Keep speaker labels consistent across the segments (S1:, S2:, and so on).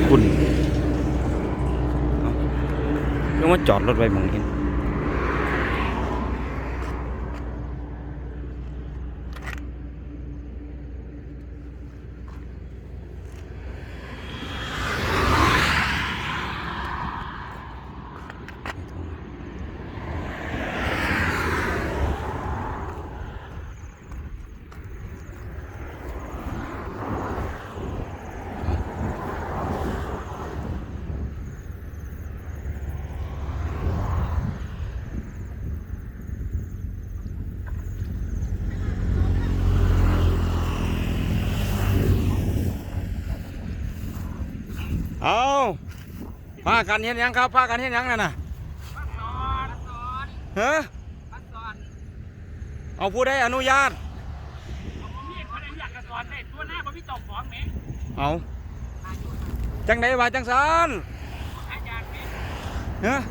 S1: คุณยังว่าจอดรถไว้มองเห็นเอาพากันเห็นยังครับพากันเห็นยังนั่นน่ะเฮ้อเอาผู้ใดอนุญาตเอาจังไดว่าจังสันเฮ้อ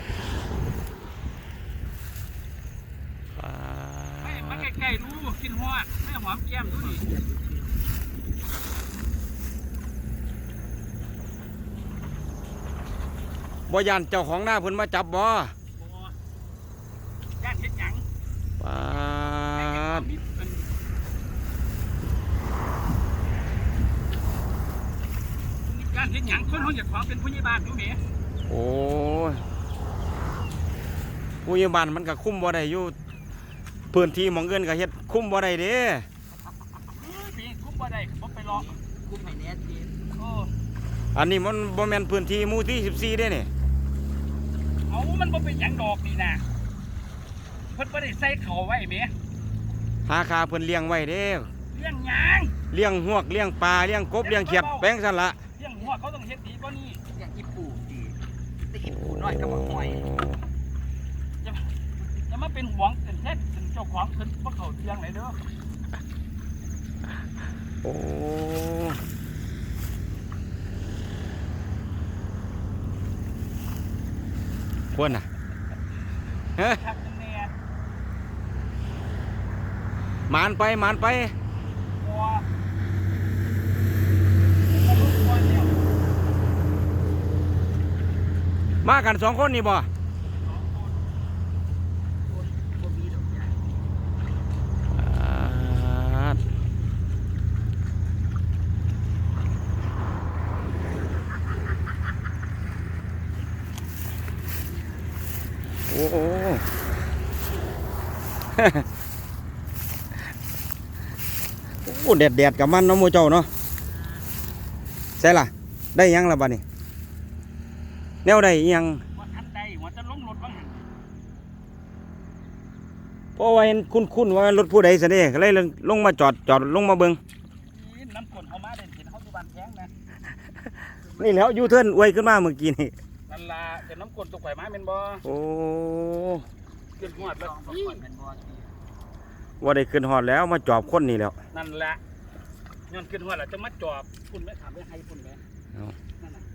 S2: มาใกล้ๆดูกินหอดไม่หอมแก้มดูดิ
S1: บ่ยันเจ้าของหน้าเพิ่นมาจับบ่
S2: ย่านเฮ็ดหยัง
S1: ปาด
S2: ย่านเฮ็ดหยังคนห้องอยากขอเป็นผู้ใหญ่บ้านอยู่แหม
S1: โอ้ยผู้ใหญ่บ้านมันก็คุมบ่ได้อยู่พื้นที่หม้องเงินก็เฮ็ดคุมบ่ได้เด้
S2: พี่คุมบ่ได้บ่ไปรอคุมให้แน่ที
S1: อันนี้มันบ่แม่นพื้นที่หมู่ที่14เด้นี่
S2: เอามันบ่เป็นหยังดอกนี่นะเพิ่นบ่ได้ใส่เขาไว้แหม
S1: หาคาเพิ่นเลี้ยงไว้เด้
S2: เลี้ยงหยัง
S1: เลี้ยงหวกเลี้ยงปลาเลี้ยงกบเลี้ยงเขียดแป้งซั่นละ
S2: เลี้ยงหัวเขาต้องเฮ็ดดีกว่านี้เลี้ยงอีปูดีแต่อีปูน้อยก็บ่ห่วยจะมาเป็นหวงเป็นเท็จเป็นเจ้าของเพิ่นบ่เข้าเลี้ยงไหนเด้อ
S1: โอ้ควรน่ะเฮ้ยมานไปมานไปมากัน2 คนนี่บ่โอ้โหโอ้แดดกับมันเนาะโมเจ้าเนาะใช่ล่ะได้ยังล่ะบ้านี่แนวได้ยังเพราะว่าเห็นคุ้นว่ารถผู้ใดสิเด้ก็เลยลงมาจอดลงมาเบิ่ง
S2: น้ำกลเขามาเด่นเห็นเขาอยู่บ้านแข้งนะ
S1: นี่แล้วยูเทิร์นอวยขึ้นมาเมื่อกี้นี่
S2: นั่นล่ะเป็นน้ำกลตกไข่มาเป็นบ่
S1: โอ้
S2: ขึ้นหอดแล้ว
S1: ว่าได้ขึ้นหอดแล้วมาจอบคนนี่แล้ว
S2: นั่นแหละย้อนขึ้นหอดแล้วจะมาจอบคุณแม่ถามไม่ให้คุณแม่นั่นน่ะ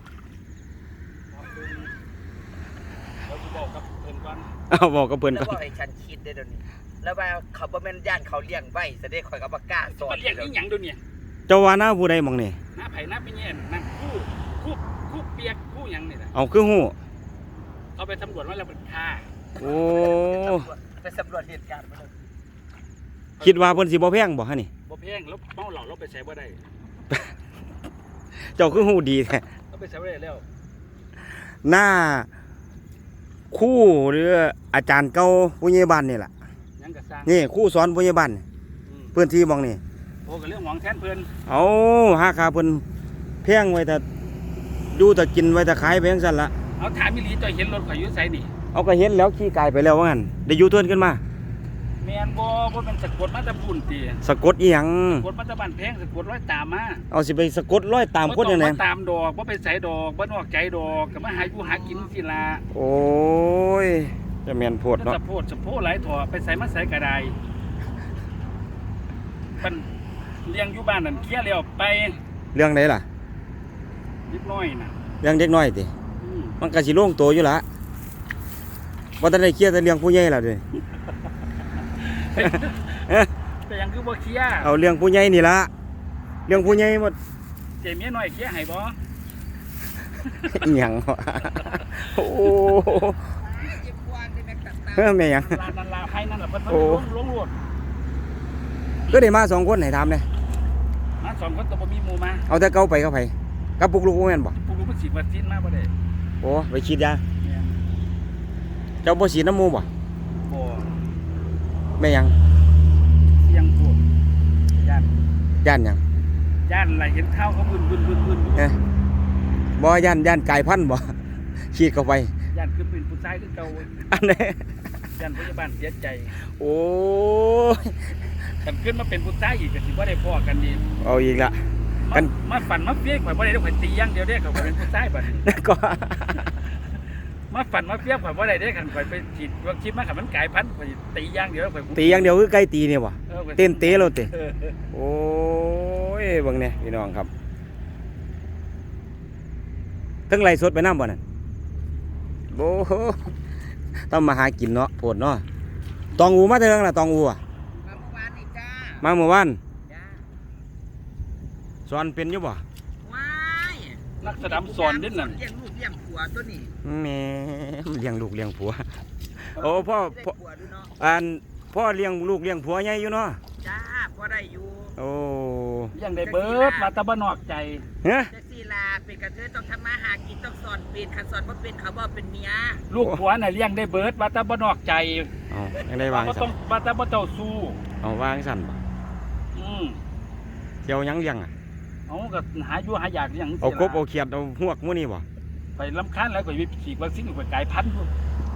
S2: เราจะบอกกับเพื่อนก่อน
S1: บอกกับเพื่อนก่อน
S3: แล้วบอกให้ฉันคิดได้เดี๋ยวนี้แล้วว่าเขาบ่แม่นย่านเขาเลี้ยงไว้แสดงข่อยก็บ่กล้าสอน
S2: เลี้ยงนี่หยังดูเนี่ย
S1: เจ้าว่าหน้าผู้ใดมองนี่
S2: หน้าไผ่หน้าเป็นเงี้ยนั่นคู่เปียกคู่หยังนี่แหละ
S1: เอาคือหู
S2: เขาไปตำรวจว่าเราเป็นฆ่า
S1: โอ้
S3: ไปสำรวจเหตุการณ์มาเลย
S1: คิดว่าเพิ่นสิบ่แพงบ่ฮะนี่
S2: บ่แพงแล้วเมาเหล้าเราไปใช้บ่ได้
S1: เจ้าคือหูดีแท้
S2: เราไปใช้บ่ได้แล้ว
S1: หน้าคู่หรืออาจารย์เก่าผู้ใหญ่บ้านนี่แหละนี่คู่สอนผู้ใหญ่บ้านเพื่อนที่มองนี่
S2: โอ้กับเรื่องหวังแทนเพื่อน
S1: เอาหาคาเพื่อนแพงไว้แต่ดูแต่กินไว้แต่ขายไปยังสั่นละ
S2: เอาถามมิลีจอยเห็นรถข่อยยุ่ใส่นี่
S1: เอาก็เห็นแล้วขี่กายไปแล้วว่างั้นได้ยูเทิร์นขึ้นมา
S2: แมนบ่เป็นสะกดมาตะปุ่นตี
S1: สะกดอีหยัง
S2: สะกดมาตะบันแพงสะกดร้อยตามมา
S1: เอาสิไปสะกดร้อยตามคนยังไง
S2: ตามดอกว่าไปใส่ดอกว่านอกใจดอกกับมาหาอยู่หากินสิละ
S1: โอ้ยจะแมนโพดเนาะ
S2: สะโพดหลายถั่วไปใส่มาใส่กระไดเป็นเลี้ยงอยู่บ้านนั่นเคลียร์แล้วไป
S1: เรื่องไหนล่ะ
S2: เด็กน้อยน่ะ
S1: เรื่องเด็กน้อยติมันกะสิโล่งโตอยู่ละว่าแต่ได้เคลียร์แต่เรื่องผู้ใหญ่ล่ะด้วย
S2: แต่ยังคือบ่เคลียร์
S1: เอาเรื่องผู้ใหญ่นี่ละเรื่องผู้ใหญ่หมด
S2: เจเมียน้อยเคลียร์ให้บ่
S1: อีหยังวะโอ้
S3: เจ็บกวางได้แม่ตัดตา
S1: เฮ้ยแม่หยัง
S2: ลานันลาให้นั่นแหละเพิ่น
S1: โอ้
S2: ลงรวด
S1: ก็ได้มา2คนให้ถามเลย
S2: มาสองคนแต่บ่มีหมู่มา
S1: เอาแต่เก่าไปเข้าไปกับปุกลูกบ่แม่นบ่
S2: ผู้รู้มันฉีดวัคซีนมาบ่ได้
S1: โอ้ไปฉีดยา
S2: เนี่ย
S1: เจ้าบ่ฉีดน้ำหมูบ่
S2: บ่
S1: แม่หยัง
S2: เสียงพวกย่าน
S1: ย่านหยัง
S2: ย่านอะไรเห็นข้าวเขาบึน
S1: เอ๊ะบ่ย่านกายพันธุ์บ่ ฉีดเข้าไป
S2: ย่านคือเป็นผู้ชายคือเก่า
S1: อันนี้
S2: ย่านพยาบาลเสียใจ
S1: โอ้ย
S2: กันขึ้นมาเป็นผู้ชายอีกก็สิบ่ได้พ้อกันดี
S1: เอาอีกละ
S2: มามาฝันมาเฟี้ยข่อยบ่ได้ข่อยตีอย่างเดียวเด้ข่อยบ่เป็นผู้ชายบัดนี้
S1: ก็
S2: มาฝันมาเฟี้ยข่อยบ่ได้เด้คันข่อยไปฉีดวัคซีนมาคันมันกลายพันธุ์ข่อยตีอย่างเดียวข่อย
S1: ตีอย่างเดียวคือไก่ตีเนี่ยบ่
S2: ข่อย
S1: เต้นเตะเราเตะ
S2: เออ
S1: โอ้ยเบิ่งเนี่ยพี่น้องครับทั้งไล่สดไปน้ำบ่นั่นโอ้โหต้องมาหากินเนาะโพดเนาะตองอูมาเถิงล่ะตองอูอะ
S3: มาเมื่อวานนี่จ้า
S1: มาเมื่อวาน
S3: จ้า
S1: สอนเป็นอยู่บ่
S3: ว้าย
S2: นักแสดงสอนเด้นั่น
S3: เลี้ยงลูกเลี้ยงผัวตัวนี้
S1: แหม่เลี้ยงลูกเลี้ยงผัวโอ้พ่อ
S3: ได้
S1: พ่อ
S3: ผัวดูเนาะ
S1: อันพ่อเลี้ยงลูกเลี้ยงผัวใหญ่อยู่เนาะ
S3: จ้าพอได้อยู่
S1: โอ้
S2: ยังได้เบิดมาแตะบ่นอกใจ
S1: ฮะ
S3: เจ๊ซีลาเป็นกระเทยต้องทำมาหากินต้องสอนเป็นคันสอนว่าเป็นเขาบอกเป็นเมีย
S2: ลูกผัวน่ะเลี้ยงได้เบิดมาแตะบ่นอกใจ
S1: เอายังได้วาง
S2: บ่
S1: สั่
S2: ต้อน งมาแตะบ่เจ้าสู้
S1: เอาวางสั่นบ่
S2: อืม
S1: เดี๋ยวยังเลี้ยงอ่ะ
S2: เอาก็หาอยู่หาอยากอย่างนี้
S1: เอากบ
S2: ล่ะ
S1: เอาเขียดเอาหวกมื้อนี้บ่
S2: ไปลำคาญแล้วก็ไปฉีดวัคซีนไปกลายพันธุ์พุ่น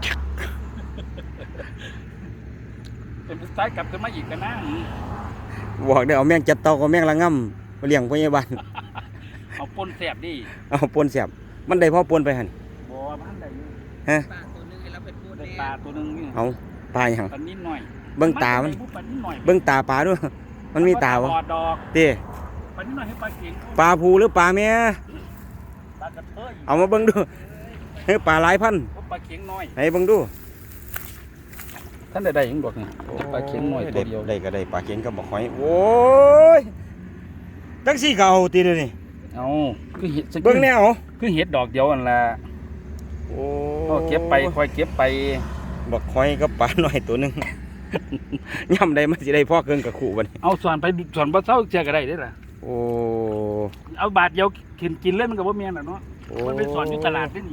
S2: เป็นผู้ชายกลับขึ้นมาอีกกันนะ
S1: บอกได้เอาแมงจัดเตากับแมงละง่ำมาเลี้ยงพยาบาล
S2: เอาปนแสบดิ
S1: เอาปนเสียบมันได้พ่อปนไปหั่น
S2: บ่พันได้อยู่
S1: ฮะ
S3: ปลาตัวหนึงแล้วเป็นปูน
S2: ได้
S3: แน่
S2: ปลาตัวหนึงนี่
S1: เอาปลาหยัง
S2: ปลานิดหน่อย
S1: เบิ่งตามัน
S2: ปลานิดหน่อย
S1: เบิ่งตาปลาด้วยมันมีตาบ่
S2: บอดดอก
S1: เต้
S2: ปลานิดหน่อยให้ปลาเก่ง
S1: ปลาผูหรือปลาแม่
S2: ปลากระเทย
S1: เอามาเบิ่งดูเฮ้ยปลาหลายพันธุ์
S2: ปลาเก่งน้อย
S1: ไหนเบิ่งดู
S2: ท่านได้ยังดอกนี่ปลาเก่งน้อยตัวเดียว
S1: ได้ก็ได้ปลาเข็งก็บ่ค่อยโอ้ยจังซี่ก็เอาติเด้อนี่
S2: เอาคือเห็ด
S1: เบิ่งแนว
S2: คือเห็ดดอกเดียวนั่นล่ะ
S1: โอ้
S2: ก็เก็บไปค่อยเก็บไป
S1: บักหอยกับปลาหน่อยตัวหนึง ย่ำได้มันสิได้พ่อเครื่องกับขู่บัดนี้
S2: เอาสอนไปสอนบ่เศร้าเจอก็ได้เด้อล่ะ
S1: โอ้
S2: เอาบาทเดียวกินเลยมันก็บ่แม่นน่ะเนาะ
S1: โอ้
S2: มันไปสอนอยู่ตลาดนี่นี่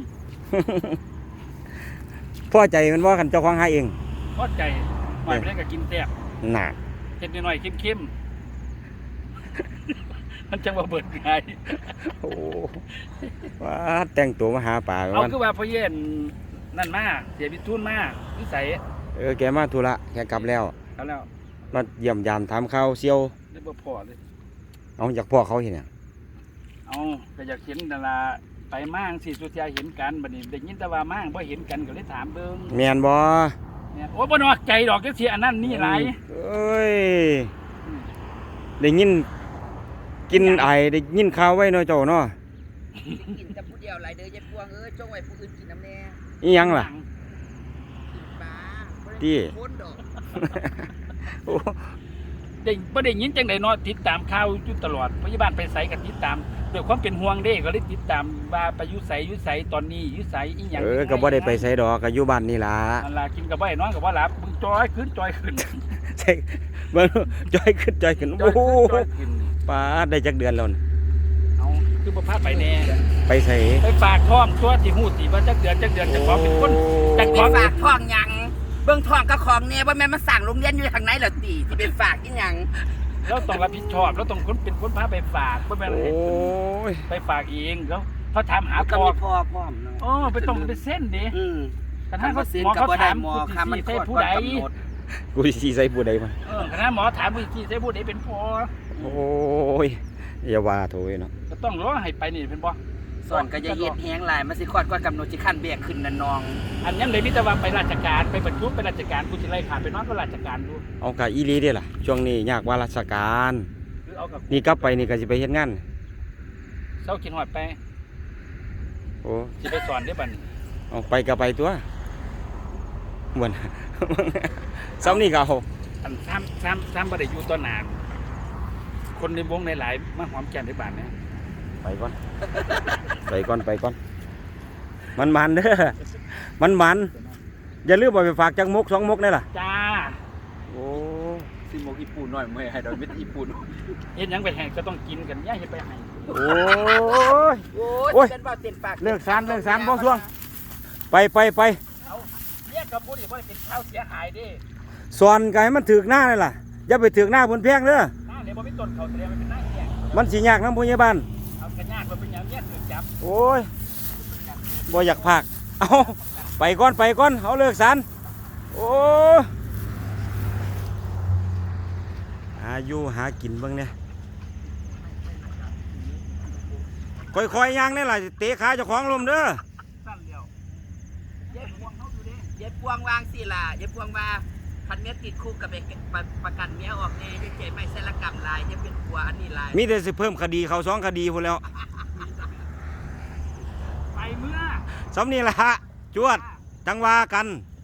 S1: พ่อใจมันว่ากันเจ้าของหาเอง
S2: พอใจหน่อยไปได้ก็กินแซ่บ
S1: น่ะ
S2: เฮ็ดน้อยๆเข้มๆ มันจังว่าเบิดง่าย
S1: โอ้ว่าแต่งตัวมาหาปลา
S2: เอา
S1: วัน
S2: คือว่าพ่อเย็นนั่นมาเสียบิทุนมานิสัย
S1: แกมาธุระแกกลับแล้ว
S2: เอาแล้ว
S1: มาเยี่ยมยามถามข่าวเซียว
S2: ได้บ่พอเลย
S1: เอาอยากพ่อเขาเห็นเนี่ยง
S2: เอาก็อยากเห็นดาราไปมั่งสิสุดท้ายเห็นกันบัดนี้ได้ยินแต่ว่ามั่งบ่เห็นกันก็เลยถามเบิ่ง
S1: แมนบ่
S2: เนี่ยโอ้บ่นอกใจดอกจังซี่อันนั้นนี่หลาย
S1: เอ้ยได้ยินกินไอได้ยินข่าวไว้เนาะเจ้าเนาะ
S3: กินแต่ผู้เดียวหลายเด้อยายพวงเอ้ยจงไว้ผู้อื่นกินน้ำแน่
S1: อีหยังล่ะ
S3: กินปลาบ่ได้
S1: ที่
S3: กินคนดอก
S1: โอ้
S2: ได้บ่ได้ยินจังได๋เนาะติดตามข่าวอยู่ตลอดพยาบาลไปไสก็ติดตามด้วยความเป็นห่วงเด้ก็เลยติดตามว่าไปอยู่ไสตอนนี้อยู่ไสอีหยัง
S1: ก็บ่ได้ไปไสดอกก็อยู่บ้านนี่ล่ะ
S2: นั่นล่ะกินก็บ่ได้นอนก็บ่หลับมึงจอยขึ้น
S1: ใช่เบิ่งจอยขึ้นจอยขึ้น
S2: จ
S1: โอ้
S2: อย
S1: โห
S2: ขึ้น
S1: ปลาได้จักเดือนแล้วนี่
S2: เอาคือบ่พาไปแน่
S1: ไปใส่
S2: ไปฝากท้องตัวที่ฮู้สิว่าจักเดือนจะขอเป็นคนจะข
S3: ไป
S2: อ
S3: ฝากท้องหยังเบิ่งท้องกับของเนี่ยว่าแม่นมาสั่งโรงเรียนอยู่ทางไหนเหรอติที่เป็นฝากอีหยัง
S2: เราต้องรับผิดชอบเราต้องเป็นคนพาไปฝากบ่แม่น
S1: โอ้ย
S2: ไปฝากเองแล้วเขาถามหา
S3: ก็
S2: พ่อ
S3: มีพ่อพร้อมเนาะ
S2: อ๋อไปต้องไปเส้นดิ ขณะ
S3: เขา
S2: เขา
S3: เสีย
S2: หมอ
S3: กับ
S2: เขา
S3: บ่ได้
S2: ถาม
S3: หมอ
S2: ผู้
S3: ค่ะมัน
S2: ที่
S3: โค
S2: ใช่
S3: ตร
S2: ผู้
S3: ก่อน
S2: ใด
S3: กำหนด
S1: กูสิใส่ผู้ใดมา
S2: ขณะหมอถามผู้ที่ใช่ผู้ใดเป็นพ่อ
S1: โอ้ยอย่าว่าโถยเนาะ
S2: ก็ต้องรอให้ไปนี่เป็นบ่
S3: ส่วนก็จะเฮ็ดแฮงหลายมันสิคลอดก่อนกำหนดสิขั้นเบี้ยขึ้นนั่นน้อง
S2: อันยังเลยมิตรว่าไปราชการไปประชุมไปราชการกูสิไล่ขาดไปนอนก็ราชการดู
S1: เอากะอีหลีเด้ล่ะช่วงนี้ยากว่าราชการ
S2: หรือเอากับ
S1: นี่กลับไปนี่ก็สิไปเฮ็ดงาน
S2: เศร้ากินหอดไป
S1: โอ้
S2: สิไปสอนได้บัดนี้
S1: เอาไปก็ไปตัวเหมือน ซ้ำนี่ก็เอา
S2: อันซ้ำบ่ได้อยู่ต่อหน้าคนในวงหลายๆมาหอมแก้มในบ้านเนี่ย
S1: ไปก่อน ไปก่อนมันเด้อมันอย่าลืมเอาไปฝากจังมก2 มกได้ล่ะ
S2: จ้า
S1: โอ้
S4: ซิโมญี่ปุ่นหน่อยไม่ให้ดอกเม็ดญี่ปุ่น
S2: เฮ็ดหยังไปให้ก็ต้องกินกันย่าเฮ็ดไปให้
S1: โอ้ย
S3: โอ้
S1: โอ้ย
S3: ยเป็นบ่าเต็มปาก
S1: เลิกสารบ่ช่วงไป
S2: เอาเนี่ยกับบ่ได้บ่ได้เป็นข้าวเสียหายเด้
S1: สอนก็ให้มันถึกหน้าเลยล่ะอย่าไปถึกหน้าเพิ่นแพงเด้อ
S2: หน้าเนี่ยบ่มีต้นเขาแสดงว่าเป็นหน้าแก่
S1: มันสิยากนำผู้ใหญ่บ้าน
S2: เอากระยากมันเป็นหยังเนี่ยถูกจับ
S1: โอ้ยบ่อยากพากเอาไปก่อนเอาเลิกสารโอ้หาอยู่หากินเบิ่งเนี่ยค่อยๆย่างนี่ล่ะเตะขาเจ้าของลมเด้อ
S2: สั้นเดียวเย็บพวงเขาอยู่เด้
S3: เย็บพวงวางสิล่ะเย็บพวงว่าคันเมียติดคุกกับไปประกันเมียออกแน่จะเจ็บไม่ใช่ละกรรมลายจะเป็นผัวอันนี้ลาย
S1: มีแต่สิเพิ่มคดีเขา2 คดีพุ่นแล้ว
S2: ไปเมื่อ
S1: สำนี่ล่ะจวดจังว่ากัน
S2: จ